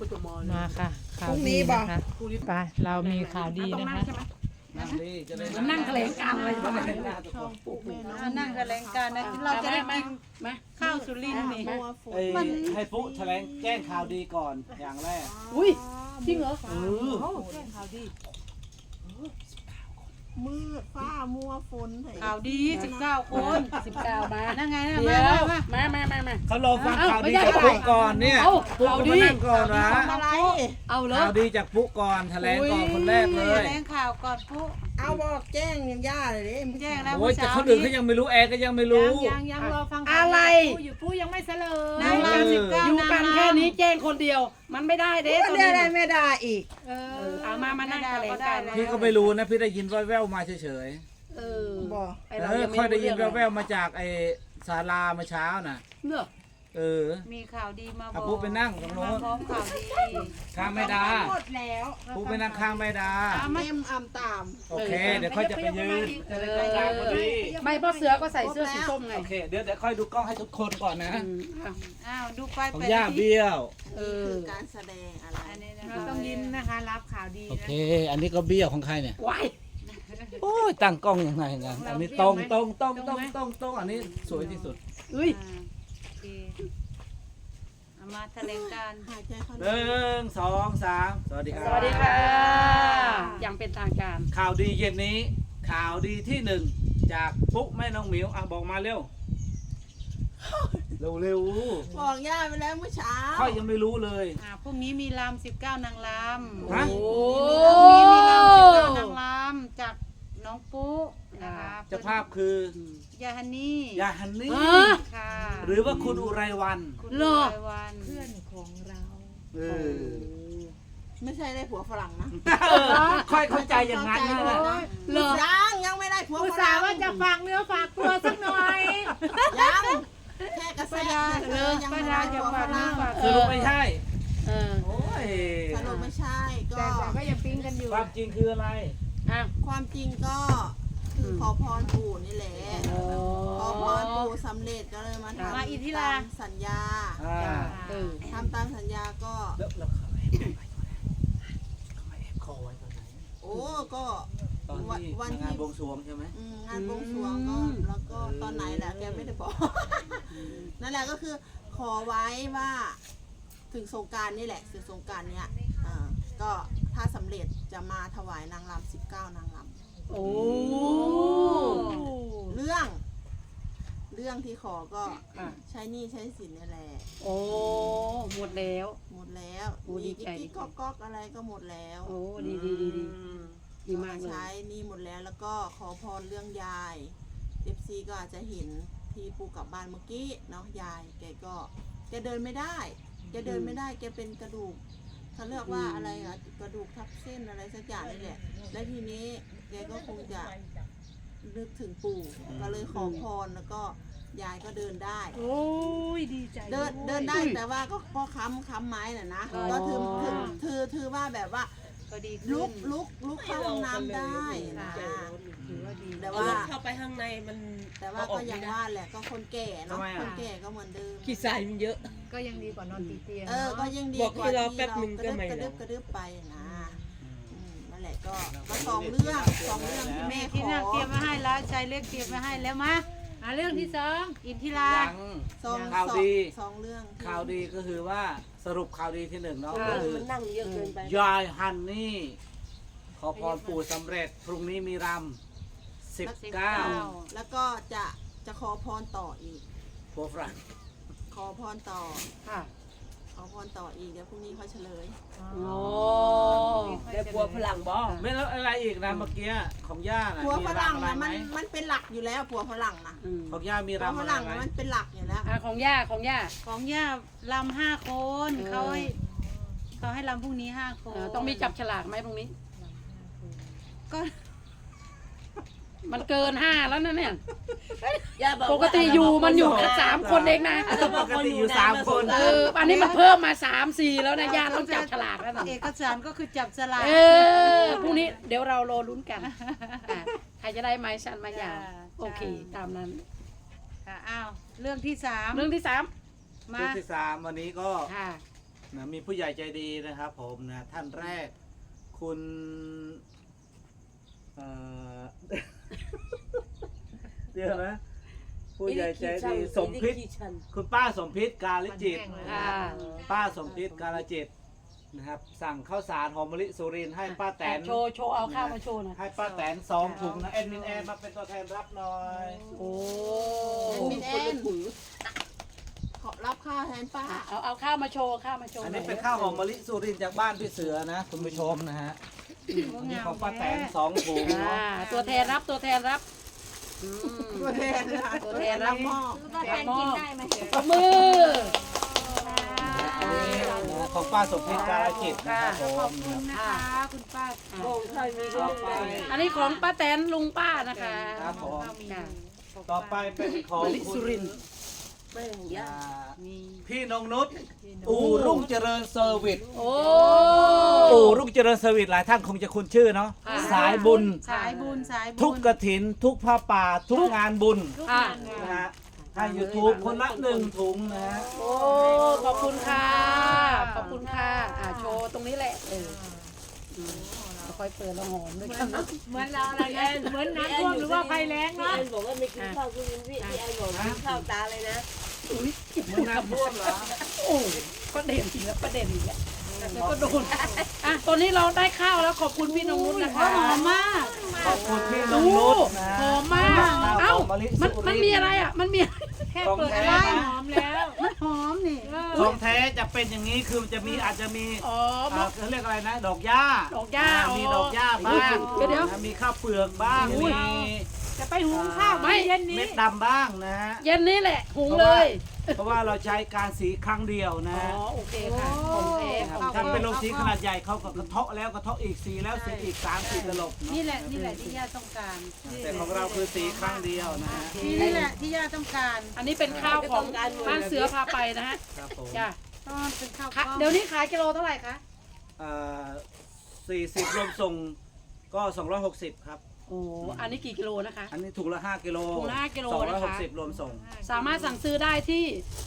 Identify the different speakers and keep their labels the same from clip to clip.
Speaker 1: มาค่ะข่าวดีนะคะไปเรามีข่าวดีนะคะ
Speaker 2: นั่งแถลงการอะไรบ้าง
Speaker 3: นั่งแถลงการนะเราจะได้กินข้าวสุรินทร์นี่
Speaker 4: ให้ปุ๊แถลงแจ้งข่าวดีก่อนอย่างแรก
Speaker 2: อุ้ยจริงเหรอ
Speaker 5: มืดฟ้ามัวฝน
Speaker 3: ข่าวดี19 คน
Speaker 2: 19 มา
Speaker 3: นั่งไงนะ
Speaker 2: เดี๋ยว
Speaker 3: มา
Speaker 2: มา
Speaker 4: เขารอฟังข่าวดีจากปุ๊ก่อนเนี่ยปุ๊ก็มานั่งก่อนนะ
Speaker 5: อะไร
Speaker 2: เอาเลย
Speaker 4: ข่าวดีจากปุ๊ก่อนแถลงก่อนคนแรกเล
Speaker 3: แถ
Speaker 4: ย
Speaker 3: ลงข่าวก่อนปุ๊
Speaker 5: เอาบอกแจ้งยังย่าเลยดิ
Speaker 3: แจ้งแล้ว
Speaker 4: โอ้ยแต่คนอื่นเขายังไม่รู้แอร์ก็ยังไม่รู้
Speaker 3: ยังรอฟัง
Speaker 2: อะไร
Speaker 1: อยู่ผู้ยังไม่เสลย
Speaker 3: นางรำ19
Speaker 2: อยู่กันแค่นี้แจ้งคนเดียว มันไม่ได้เด้
Speaker 5: ก็
Speaker 2: ตัว
Speaker 5: ได้
Speaker 2: นี้
Speaker 5: ได้ไม่ได้อีก
Speaker 2: เอามานั่งแถลงการ
Speaker 4: พี่ก็ไม่รู้นะพี่ได้ยินแว่วๆมาเฉย
Speaker 5: บอก
Speaker 2: ไอ้
Speaker 4: ๆ
Speaker 2: เรา
Speaker 4: เออ
Speaker 2: ยังไม่
Speaker 4: ค่อยได้ยิน
Speaker 2: รู้
Speaker 4: แว่วๆมาจากไอ้ศาลาเมื่อเช้าน่ะ
Speaker 2: เนอะ
Speaker 4: เออ
Speaker 3: มีข่าวดีมาบ
Speaker 4: เอา
Speaker 3: อก
Speaker 4: ปุ๊ไปนั่งตรงโน้น
Speaker 3: พร้อมข่าวดี
Speaker 4: ข้างไม่ดา
Speaker 5: หมดแล้ว
Speaker 4: ปุ๊ไปนั่งข้างไม่ดา
Speaker 5: เต็มอ่ำตาม
Speaker 4: โอเค เดี๋ยวค่อยจะไปยืนพอดี
Speaker 2: ไม่เพราะเสือก็ใส่เสื้อสีส้มไง
Speaker 4: โอเคเดี๋ยวค่อยดูกล้องให้ทุกคนก่อนนะ
Speaker 3: อ้าวดูไป
Speaker 4: ของ
Speaker 3: ไป
Speaker 4: ย่าเบี้ยว
Speaker 5: คือการแสดงอะไร
Speaker 3: อันนี้นะ
Speaker 1: เราต้องยิ้มนะคะรับข่าวดี
Speaker 4: โอ
Speaker 1: นะ
Speaker 4: เค อันนี้ก็เบี้ยวของใครเนี่ย
Speaker 2: ว้าย
Speaker 4: โอ้ยตั้งกล้องยังไงนะอันนี้ตรงอันนี้สวยที่สุด
Speaker 2: อุ้ย
Speaker 3: โอเคเอามาแถลงการ
Speaker 5: หายใจเข้า
Speaker 4: หนึ่งสองสามสวัสดีครับ
Speaker 2: สวัสดีค่ะ อย่างเป็นทางการ
Speaker 4: ข่าวดีเย็นนี้ ข่าวดีที่หนึ่งจากปุ๊แม่น้องหมิวอ่ะบอกมาเร็ว เร็ว
Speaker 5: บอกย่าไปแล้วเมื่อเช้า
Speaker 4: ค่อยยังไม่รู้เลย
Speaker 3: พรุ่งนี้มีรำ19 นางรำ
Speaker 4: ฮะ
Speaker 2: โอ้
Speaker 3: พรุ่งนี้มีรำ19 นางรำจากน้องปุ๊นะคะ
Speaker 4: เจ้าภาพคือย
Speaker 3: าฮันนี่
Speaker 4: ยาฮันนี่
Speaker 3: ค่ะ
Speaker 4: หรือว่าคุณอุไรวัน
Speaker 3: คุณ
Speaker 2: เหรอ
Speaker 3: รายวัน
Speaker 1: เพื่อนของเรา
Speaker 4: เออ
Speaker 5: ไม่ใช่ได้ผัวฝรั่งนะ
Speaker 4: ค่อยเข้าใจอย่างนั้นนะ
Speaker 2: เหรอ
Speaker 5: ยังไม่ได้ผัว
Speaker 1: อุต
Speaker 5: ฝ
Speaker 1: ส่า
Speaker 5: รั่ง
Speaker 1: ห์ว่าจะฝากเนื้อฝากตัวสักหน่อย
Speaker 5: ยังแค่กระแสเฉยๆยัง
Speaker 3: ป้า
Speaker 5: ไม่
Speaker 3: ดา
Speaker 5: ได้
Speaker 3: จะ
Speaker 5: ผัวฝ
Speaker 3: ฝากเนื้อ
Speaker 5: รั่ง
Speaker 3: ฝาก
Speaker 4: สรุปไม่ใช่
Speaker 2: เออ
Speaker 4: โอ้ย
Speaker 5: สรุปไม่ใช่ก็
Speaker 1: แต่ก็ยังปิ๊งกันอยู่
Speaker 4: ความจริงคืออะไร
Speaker 2: อ่ะ
Speaker 5: ความจริงก็คือขอพรปู่นี่แหละ ขอพรปู่สำเร็จก็เลยมาทำ
Speaker 3: มาอินทิรา
Speaker 5: ตามสัญญา
Speaker 4: อ่า
Speaker 2: เออ
Speaker 5: ทำตามสัญญาก็
Speaker 4: แล้วเขาแอบคอไว้ตอนไหน
Speaker 5: โอ้ก็
Speaker 4: ตอนที่
Speaker 5: วันที่
Speaker 4: งานบวงสรวงใช่ไหม
Speaker 5: งานบวงสรวงก็แล้วก็ตอนไหนแหละแกไม่ได้บอก นั่นแหละก็คือขอไว้ว่าถึงสงกรารนี่แหละถึงสงกรารเนี้ยก็ถ้าสำเร็จจะมาถวายนางรำ19 นางร
Speaker 2: โอ้
Speaker 5: ำเรื่องที่ขอก็ใช้หนี้ใช้สินนี่แหละ
Speaker 2: โอ้หมดแล้ว
Speaker 5: หมดแล้ว
Speaker 2: โอ้ดี
Speaker 5: มี
Speaker 2: ใจ
Speaker 5: กิ๊กก๊อกอะไรก็หมดแล้ว
Speaker 2: โอ้ดีดีมากเลย
Speaker 5: ใช้หนี่หมดแล้วแล้วก็ขอพรเรื่องยาย FC ก็อาจจะเห็นที่ปูกลับบ้านเมื่อกี้เนาะยายแกเดินไม่ได้แกเดินไม่ได้แกเป็นกระดูกเขาเรียกว่าอะไรอะกระดูกทับเส้นอะไรสักอย่างนี่แหละและทีนี้แกก็คงจะนึกถึงปู่ก็เลยขอพรแล้วก็ยายก็เดินได้
Speaker 1: โอ้ยดีใจ
Speaker 5: เดินได้แต่ว่าก็ค้ำไม้น่ะนะก็ถือว่าแบบว่า
Speaker 3: ก็ดี
Speaker 5: ลุ
Speaker 3: ขึ้น
Speaker 5: กเข้าห้องน้ำได้นะ
Speaker 1: ถือว่าดี
Speaker 5: แต่ว่า
Speaker 6: เข้าไปข้างในมัน
Speaker 5: แต่ว่าก็อย่างว่าแหละก็คนแก่เนาะคนแก่ก็เหมือนเดิม
Speaker 6: ขี้ทรายมันเยอะ
Speaker 1: ก็ยังดีกว่านอนติดเตียง
Speaker 5: ก็ยังดี
Speaker 6: บอก
Speaker 5: กว่า
Speaker 6: ให้
Speaker 5: ที่
Speaker 6: รอ
Speaker 5: เรา
Speaker 6: แป๊บหนึ่งก็ไม่
Speaker 5: กระ
Speaker 6: ร
Speaker 5: ดึ
Speaker 6: อ
Speaker 5: บกระดึบไปนะนั่นแหละก็สองเรื่องที่แม่ข
Speaker 3: ที่
Speaker 5: อ
Speaker 3: นั่งเตรียมมาให้แล้วชายเล็กเตรียมมาให้แล้วมา
Speaker 1: เรื่องที่สอง
Speaker 3: อินทิรา
Speaker 4: ยัง ข่าวดี
Speaker 5: สองเรื่อง
Speaker 4: ข่าวดีก็คือว่าสรุปข่าวดีที่หนึ่งเนาะ
Speaker 6: เอ
Speaker 4: ก็
Speaker 6: อ
Speaker 4: คือ
Speaker 6: มันนั่งเยอะเกินไป
Speaker 4: ยายฮันนี่ ขอพรปู่สำเร็จ พรุ่งนี้มีรำ19
Speaker 5: แล้วก็จะขอพรต่ออีก
Speaker 4: ผัวฝรั่ง
Speaker 5: ขอพรต่อ
Speaker 2: ค่ะ
Speaker 5: ขอพรต่ออีกเดี๋ยวพรุ่งนี้เขาเฉลย
Speaker 2: โอ้
Speaker 6: ได้ปัวพลังบ่
Speaker 4: ไม่แล้วอะไรอีกนะเมื่อกี้ของย่าน่ะ
Speaker 5: ผัว
Speaker 4: มี
Speaker 5: ฝรั่ง
Speaker 4: รำอะไร
Speaker 5: นะ
Speaker 4: ไหม
Speaker 5: มันเป็นหลักอยู่แล้วผัวฝรั่งนะ
Speaker 4: ของย่ามี
Speaker 5: ผัว
Speaker 4: รำ
Speaker 5: ฝ
Speaker 4: อะไร
Speaker 5: รั่ง
Speaker 4: ไหม
Speaker 5: นะมันเป็นหลักอยู่แล้ว
Speaker 2: ของย่า
Speaker 3: ของย่าลำ5 คนเขาให้ลำพรุ่งนี้5 คน
Speaker 2: ต้องมีจับฉลากไหมตรงนี้
Speaker 3: ก็
Speaker 2: มันเกิน5แล้วนะเนี่ย
Speaker 6: ย่าบอก
Speaker 2: ปกติอยู่มันอยู่แค่3 คนเองนะ
Speaker 4: ปกติอยู่3 คน
Speaker 2: อันนี้มันเพิ่มมา3 4แล้วนะย่าต้องจับฉลากแล้วนะ
Speaker 3: เอกสารก็คือจับฉลาก
Speaker 2: พรุ่งนี้เดี๋ยวเรารอลุ้นกันใครจะได้ไม้ชันไม้ยาวโอเคตามนั้น
Speaker 3: อ้าวเรื่องที่3
Speaker 2: เรื่องที่
Speaker 3: มา
Speaker 4: เรื่องที่3วันนี้ก็
Speaker 2: 3ค่ะ
Speaker 4: นะมีผู้ใหญ่ใจดีนะครับผมนะท่านแรกคุณเดี๋ยวนะผู้ใหญ่ใจดีสมพิษคุณป้าสมพิษกาลจิต
Speaker 2: ค่ะ
Speaker 4: ป้าสมพิษกาลจิตนะครับสั่งข้าวสารหอมมะลิสุรินทร์ให้ป้าแตน
Speaker 2: โชว์เอาข้าวมาโชว์หน่อย
Speaker 4: ให้ป้าแตน2 ถุงนะแอดมินแอนมาเป็นตัวแทนรับหน่อย
Speaker 2: โอ้
Speaker 5: มินแอนขอรับข้าวแทนป้า
Speaker 2: เอาข้าวมาโชว์
Speaker 4: อันนี้เป็นข้าวหอมมะลิสุรินทร์จากบ้านพี่เสือนะคุณผู้ชมนะฮะนี่ของป้าแตน2 ถุง
Speaker 2: ตัวแทนรับอืม
Speaker 5: ตัวแทนนะ
Speaker 2: ตัวแทนรับมอบ
Speaker 3: แทนกินได้ไหม
Speaker 2: ปรบมือ
Speaker 4: อันนี้นะของป้าสมพิษกาลจิตนะครับผม
Speaker 3: ขอบคุณนะคะคุณป้า
Speaker 6: โป่งใครมีก็ไป
Speaker 2: อันนี้ของป้าแตนลุงป้านะคะ
Speaker 4: ครับผม
Speaker 2: ค่ะ
Speaker 4: ต่อไปเป็นของ
Speaker 2: มะลิสุรินทร์
Speaker 6: แม่งยา
Speaker 4: พี่นงนุชอู่รุ่งเจริญเซอร์วิส
Speaker 2: โอ้
Speaker 4: อู่รุ่งเจริญเซอร์วิสหลายท่านคงจะคุ้นชื่อเนาะ
Speaker 2: ค่ะ
Speaker 4: สายบุญ
Speaker 3: สายบุญสายบุญ
Speaker 4: ทุกกฐินทุกผ้าป่าทุกงานบุญ
Speaker 3: ทุก
Speaker 2: ค่ะ
Speaker 3: งาน
Speaker 4: นะฮะให้ยูทูบคนละ1 ถุงนะฮะ
Speaker 2: โอ้ขอบคุณค่ะโชว์ตรงนี้แหละค่อยเปิดแล้วหอมด้วยกัน
Speaker 3: เหมือนเราอะไรนะเหมือนน้ำท่วมหรือว่าไฟแรง
Speaker 6: พี่
Speaker 3: เนาะ
Speaker 6: แอนบอกว่าไม่กินข้าวคุณพี่แอนบอกกินข้าวตาเลยนะ
Speaker 4: มันน้ำท่วมเหรอ
Speaker 2: โอ้ประเด็นอีกแล้วแล้วก็โดนตอนนี้เราได้ข้าวแล้วขอบคุณพี่นงนุชนะคะ
Speaker 3: หอมมาก
Speaker 4: ขอบคุณพี่น
Speaker 2: ดู
Speaker 4: งนุชนะ
Speaker 2: หอมมากเอ้ามันมีอะไรอ่ะมันมี
Speaker 3: แค่
Speaker 4: ของ
Speaker 3: เปิด
Speaker 4: แท้
Speaker 3: ไว้
Speaker 4: นะ
Speaker 3: หอมแล้วมันหอมนี่
Speaker 4: ของแท้จะเป็นอย่างนี้คือจะมีอาจจะมี
Speaker 2: อ๋อ
Speaker 4: เขาเรียกอะไรนะดอกหญ้า
Speaker 2: ดอกหญ้า
Speaker 4: มีดอกหญ้าบ้าง
Speaker 2: เดี๋ยว
Speaker 4: นะมีข้าวเปลือกบ้างมี
Speaker 3: จะไปหุงข้าวเย็นนี้
Speaker 4: เม็ดดำบ้างนะฮะ
Speaker 2: เย็นนี้แหละหุงเลย
Speaker 4: เพราะว่าเราใช้การสีครั้งเดียวนะ
Speaker 2: อ๋อโอเคค่ะของแท้
Speaker 4: ครับถ้าเป็นโรงสีขนาดใหญ่เขาก็กระเทาะแล้วกระเทาะอีกสีแล้วสีอีก3 4 ตลบเนาะ
Speaker 3: นี่แหละที่ย่าต้องการ
Speaker 4: แต่ของเราคือสีครั้งเดียวนะฮะ
Speaker 3: นี่แหละที่ย่าต้องการ
Speaker 2: อันนี้เป็นข้าวของบ้านเสือพาไปนะฮะ
Speaker 4: ครับผม
Speaker 2: จ้ะ
Speaker 3: ต้นเป็นข้าว
Speaker 2: เดี๋ยวนี้ขายกิโลเท่าไหร่คะ
Speaker 4: 40รวมส่งก็260ครับ
Speaker 2: โอ้อันนี้กี่กิโลนะคะ
Speaker 4: อันนี้ถุงละ5 กิโล
Speaker 2: ถุงละ5กิโลนะคะ
Speaker 4: 260รวมส่ง
Speaker 2: สามารถสั่งซื้อได้ที่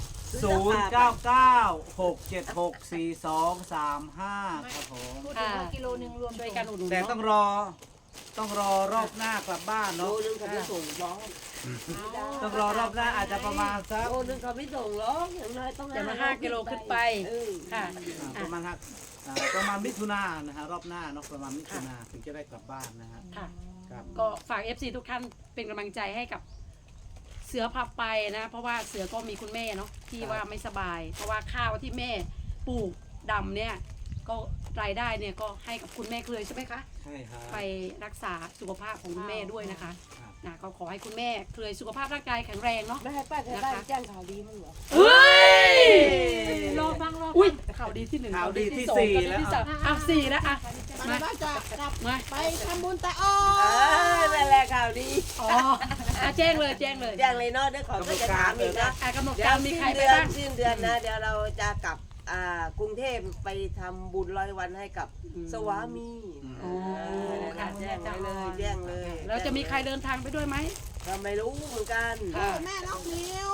Speaker 4: 0996764235ครับผม
Speaker 3: พูดถึงว่ากิโลนึงรวม
Speaker 2: ด้วยกันอุดหนุน
Speaker 4: แต่
Speaker 2: เนาะ
Speaker 4: ต้องรอรอบหน้ากลับบ้าน
Speaker 6: โล
Speaker 4: เนาะ
Speaker 6: นึงเขาไม่ส่งบ้อง
Speaker 4: ต้องรอรอบหน้าอาจจะประมาณสัก
Speaker 6: โลนึงเขาไม่ส่งหรอกอย่างน้อยต้อง
Speaker 2: อย่างละ5กิโลขึ้นไปค่ะ
Speaker 4: ประมาณประมาณมิถุนายนนะฮะรอบหน้าเนาะประมาณมิถุนายนถึงจะได้กลับบ้านนะฮะ
Speaker 2: ค่ะ
Speaker 4: ครับ
Speaker 2: ก็ฝาก FC ทุกท่านเป็นกำลังใจให้กับเสือพาไปนะ เพราะว่าเสือก็มีคุณแม่เนาะที่ว่าไม่สบาย เพราะว่าข้าวที่แม่ปลูกดำเนี่ยก็รายได้เนี่ยก็ให้กับคุณแม่เคยใช่ไหมคะ
Speaker 4: ใช่ครับ
Speaker 2: ไปรักษาสุขภาพของคุณแม่ด้วยนะคะ
Speaker 4: ครับ
Speaker 2: นะก็ขอให้คุณแม่เคยสุขภาพร่างกายแข็งแรงเนาะ
Speaker 6: ไม่ให้ป้าแถวบ้านแจ้งข่าวดีมั้งเหรอ
Speaker 2: เฮ้ย
Speaker 3: รอฟัง
Speaker 2: อุ้ยข่าวดีที่1
Speaker 4: ข่าวดีที่
Speaker 2: สอง
Speaker 4: สี่
Speaker 2: ข่าวดี
Speaker 4: แล้ว
Speaker 2: ที่สามอ่ะ4แล้วอ่ะ
Speaker 5: มันว่าจะกลับ
Speaker 2: มา
Speaker 5: ไปทำบุญแต่อ้อ
Speaker 6: นั่นแหละข่าวดี
Speaker 2: อ๋อแจ้งเลย
Speaker 6: แจ้งเลยเนาะเดี๋ยวขอก็จะถามอีกนะ
Speaker 2: กำหนด
Speaker 6: เดี๋ย
Speaker 2: กาว รมีใครไปบ้าง
Speaker 6: สิ้นเดือนนะ เดี๋ยวเราจะกลับกรุงเทพไปทำบุญ100 วันให้กับสวามี
Speaker 2: โอ้
Speaker 6: ค่ะ
Speaker 2: ค่ะ
Speaker 6: แจ้งไว้เลยแจ้งเลย
Speaker 2: แล้วจะมีใครเดินทางไปด้วยไหม
Speaker 6: เราไม่รู้เหมือนกัน
Speaker 5: แม่น้องนิว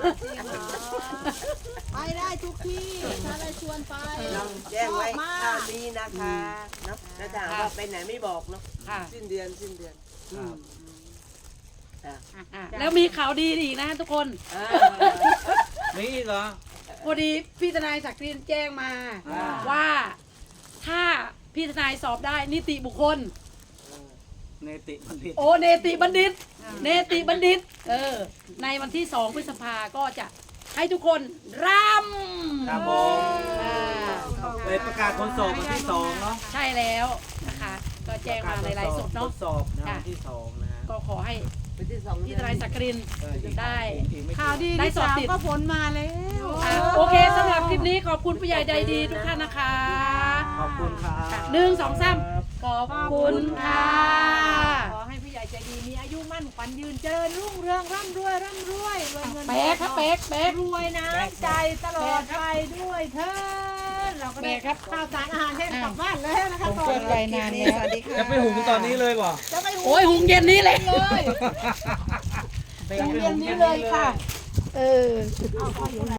Speaker 5: ไปได้ทุกที่ถ้าได้ชวนไป
Speaker 6: เราแจ้งไว้
Speaker 5: ชอบมาก
Speaker 6: ข่าวดีนะคะเนาะถ้าถามว่าไปไหนไม่บอกเนาะ
Speaker 2: ค่ะ
Speaker 6: สิ้นเดือนอืม
Speaker 2: แล้วมีข่าวดีอีกนะทุกคน
Speaker 4: มีอีกเหรอ
Speaker 2: พอดีพี่ทนายศักดิ์รินแจ้งมา ว่าถ้าพี่ทนายสอบได้นิติบุคคล
Speaker 4: เนติบัณฑิต
Speaker 2: โอเนติบัณฑิต เนติบัณฑิต ในวันที่2 พฤษภาก็จะให้ทุกคนรำ
Speaker 4: ครับผมเลยประกาศผลสอบวันที่2เนาะ
Speaker 2: ใช่แล้วนะคะ ก็แจ้งมาในไลฟ์สดเนาะ
Speaker 4: ผลสอบนะวันที่2นะฮะ
Speaker 2: ก็ขอให้
Speaker 6: ไปที่2
Speaker 2: พี่ทนายศักดิ์ริน
Speaker 4: อีก
Speaker 2: ได้
Speaker 4: อีกไม่กี่
Speaker 3: ข่าวดี
Speaker 2: ได้
Speaker 3: ที่
Speaker 2: สอบ
Speaker 3: สาม
Speaker 2: ติด
Speaker 3: ก็ผลมาแล้ว
Speaker 2: โอเคสำหรับคลิปนี้ขอบคุณผู้ใหญ่ใจดีทุกท่านนะคะ
Speaker 4: ขอบคุณครับ
Speaker 2: 1 2 3ขอบคุณค่ะ
Speaker 3: ขอให้ผู้ใหญ่ใจดีมีอายุมั่นขวัญยืนเจริญรุ่งเรืองร่ำรวยรวยเงิน
Speaker 2: เป๊กครับเป๊กเป๊ก
Speaker 3: รวยน้ำใจตลอดไปด้วยเถิดเราก็ได้
Speaker 2: เป๊กครับ
Speaker 3: ข้าวสารอาหารแห้งกลับบ้านเลยนะคะ
Speaker 1: ผมเกิดไปนานแล้ว
Speaker 4: จะไปหุงตอนนี้เลยบ่
Speaker 3: จะไปหุง
Speaker 2: โอ้ยหุงเย็นนี้เลย
Speaker 3: เลย
Speaker 2: หุงเย็นนี้เลยค่ะ เออ